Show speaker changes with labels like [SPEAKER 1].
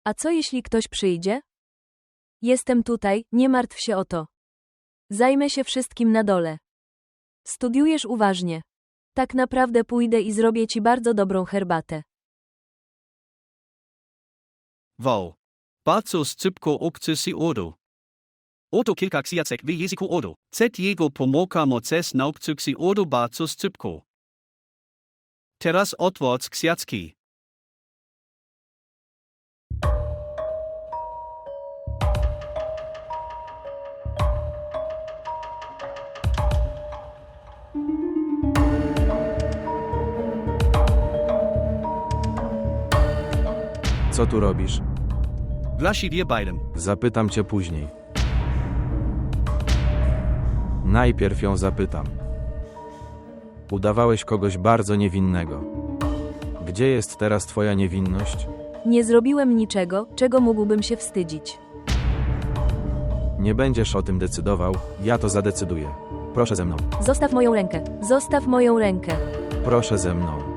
[SPEAKER 1] A co jeśli ktoś przyjdzie? Jestem tutaj, nie martw się o to. Zajmę się wszystkim na dole. Studiujesz uważnie. Tak naprawdę pójdę i zrobię ci bardzo dobrą herbatę.
[SPEAKER 2] Wow. Bardzo szybko uczy się odo. Oto kilka książek w języku odo. Z jego pomocą możesz nauczyć się odo bardzo szybko. Teraz otwórz książki.
[SPEAKER 3] Co tu robisz?
[SPEAKER 2] Właściwie beidem.
[SPEAKER 3] Zapytam cię później. Najpierw ją zapytam. Udawałeś kogoś bardzo niewinnego. Gdzie jest teraz twoja niewinność?
[SPEAKER 1] Nie zrobiłem niczego, czego mógłbym się wstydzić.
[SPEAKER 3] Nie będziesz o tym decydował, ja to zadecyduję. Proszę ze mną.
[SPEAKER 1] Zostaw moją rękę. Zostaw moją rękę.
[SPEAKER 3] Proszę ze mną.